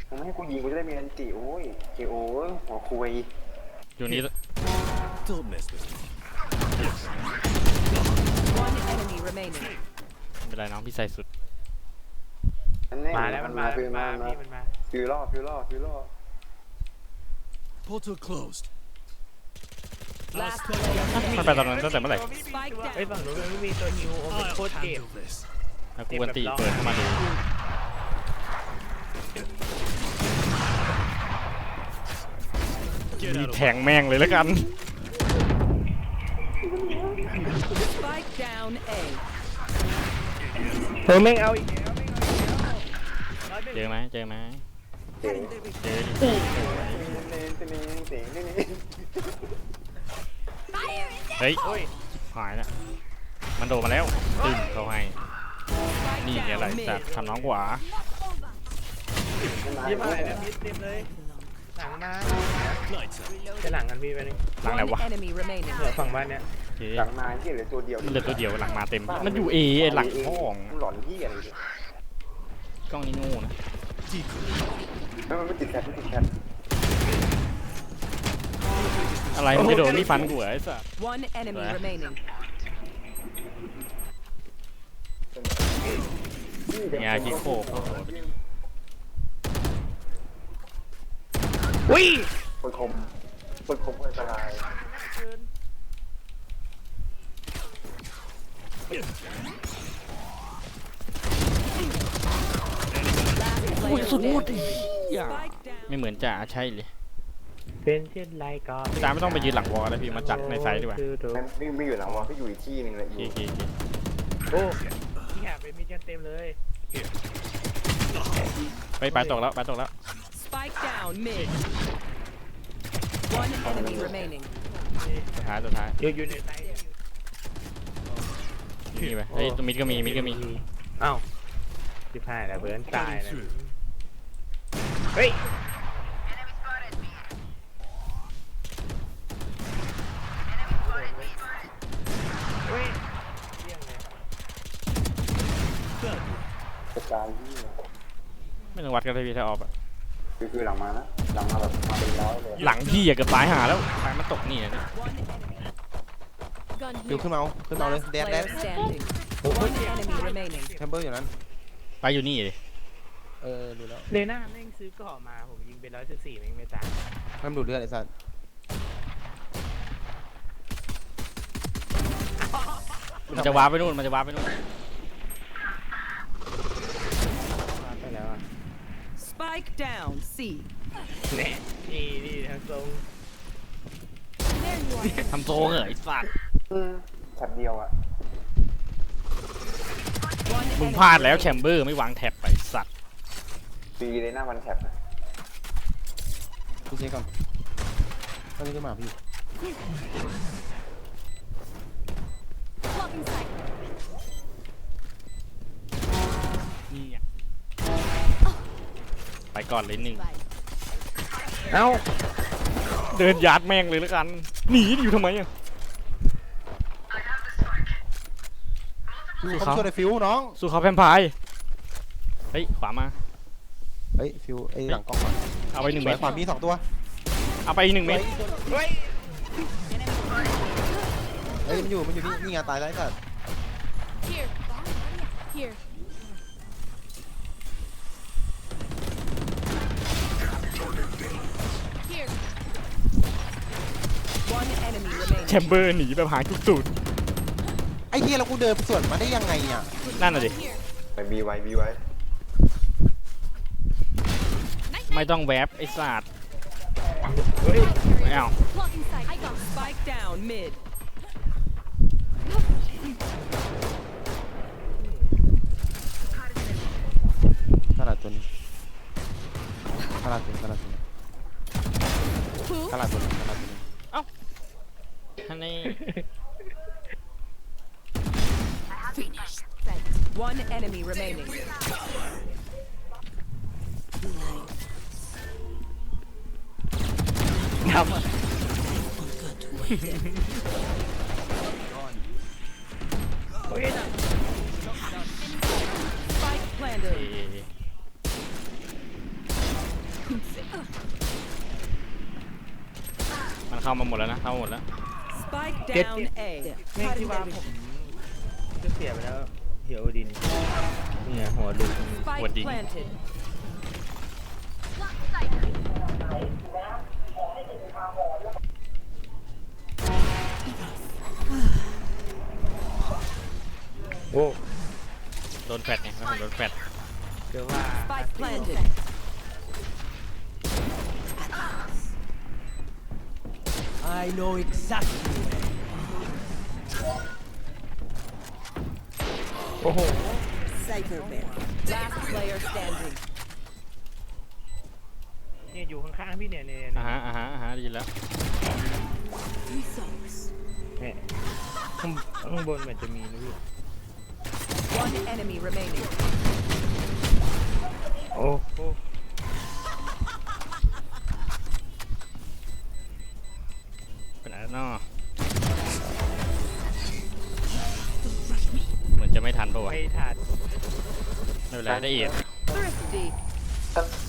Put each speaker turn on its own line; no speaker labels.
มึงไม่ให้กูยิงกูจะได้มีอันติโอ้ยเกโอ้ยหัวคุย
อยู่นี่
Don't mess with me.
One enemy remaining.
ไม่เป็นไรน้องพี่ใส่สุด
มาแล้วมันมาพี่มันมา
ฟิวล่อ
Portal closed.
Last player
มันไปตอนนั้นตั้งแต่เมื่อไหร่
Spike
เฮ้ย
down.
ฝั่งนู้นมันไม่มีตัวฮิวโอ้มัน
I'll
โคตรเจ็บ
handle this.
แล้วกูกันตีเปิดเข้ามาดูมีแทงแม่งเลยแล้วกัน
Spike down A.
เธอแม่งเอาอีกแล้ว
เจอไหมเจอ
เจ๋ง
ดิ เฮ้ยหายละมันโดดมาแล้วตึ้งเขาให้
Spike
นี่อะไร
down
จัด
mid.
ทำน้องกว่า
ยี่ห้ออะไรนะมิดเต็มเลยหลังมาจะหลังกันพี่ไปนี่
หลังไหน
One
วะ
enemy remaining.
เหลือฝั่งบ้านเนี้ย
เจ๊
หลังมาที่เหลือตัวเดียว
มันเหลือตัวเดียวหลังมาเต็มมันอยู่เอหลังห้อง
หลอนที่อะไรเนี่ย
กล้องนี่งูนะ
มันไม่ติดแคท
อะไรมันจะโดนนี่ฟันกูเหรอไอ้สัส
One enemy remaining.
งาคิโคก
วิ่ง
ปืนคมอันตราย
Last player standing.
ไม่เหมือนจ่าใช่เลย
เป็นเช่นไรก็
พี่ตาไม่ต้องไปยืนหลังวอลแล้วพี่มาจัดในไซด์ดีกว่า
ไม่อยู่หลังวอลก็อยู่อีกที่นึงเลย
โอเค
โอ้ที่หาเป็นมิดกันเต็มเลย
ไปตกแล้ว
Spike down mid. One enemy remaining.
สุดท้าย
อยู่ในไซส์
นี่ไปเฮ้ยตัวมิดก็มี
เอ้าที่ผ่านแล้วเบิร์นตายนะเฮ้ยเฮ้ยเยี่ยมเลย
กระจายที่
ไม่ต้องวัดกันเลยพี่ถ้าออกอะ
คือหลังมานะหลังมาแบบมาเป็นร้อยเลย
หลังพี่อะเกือบตายหาแล้วทางมันตกนี่นะ
ฟิวขึ้นมาเอาเลย
Last
แดด
player standing. One enemy remaining.
แชมเบอร์อยู่นั้น
ไปอยู่นี่เลย
ดูแล้ว
เลน่าแม่งซื้อก่อมาผมยิงไป114แม่งไม่ตาย
มันดูดเลือดไอ้สัส
มันจะว้าร์ปไปนู่น
ไปแล้วอ่ะ
Spike down C.
แน่นี่ทางตรง
ทำโซเหรอไอ้สัตว์
แถบเดียวอ่ะ
One
มึง
enemy
พลาดแล้วแช
remaining.
มเบอร์ไม่วางแท็บไปไอ้สัตว์
ปีเลยหน้าวันแถบนะ
พี่เช็คก่อนตอนนี้ก็มาพี่
นี่อะไปก่อนเลยหนึ่ง
เอ้า
เดินยัดแม่งเลยแล้วกันหนีอยู่ทำไมอะ
ผมช่วยไอ้ฟิวน้อง
สู้เขาแพมพายเฮ้ยขวามา
เฮ้ยฟิวไอ้หลังกล้องก่อน
เอาไป1 เม็ด
ขวามี2ตัว
เอาไปอีก1 เม็ด
เฮ้ย
เฮ้ยมันอยู่นี่ไงตายแล้วไอ้สัส
Here. Here. Here.
One enemy remaining.
แชมเบอร์หนีแบบหายทุกสูตร
ไอ้เฮียแล้วกูเดินสวนมาได้ยังไงอ่ะ
นั่นน่ะดิ
Here.
ไปบีไว้
Night
ไม่
night.
ต้องแวบไอ้สัตว์
เฮ้ย
ไม่เอา
Blocking sight. I got
Spike down mid.
ขนาดตัวนี้ขนาดตัวนี้
who?
ขนาดตัวนี้
ท่านนี่
Finished.
One enemy remaining.
ครับ เฮ้ย
Spike planted.
มันเข้ามาหมดแล้วนะเข้ามาหมดแล้ว
Spike
Get
down
it.
A.
ไม่คิดว่าผมจะเสียไปแล้วเหี่ยวดินเนี่ยหัวลุก
Spike
What did-
planted.
โอ้
โดนแฟดไงแล้วผมโดนแฟด
เดี๋ยวว่า
Spike planted.
I know exactly.
โอ้โห
Last player standing.
เนี่ยอยู่ข้างๆพี่เนี่ยเนี่ย
อ่าฮะได้ยินแล้ว
เนี่ยข้างบนเหมือนจะมีนะพี่
One enemy remaining.
โอ้โห
เป็นอะไรเนาะเหมือนจะไม่ทันปะวะ
ไม่ทัน
ไม่เป็นไรได้เอียด
Thrifty.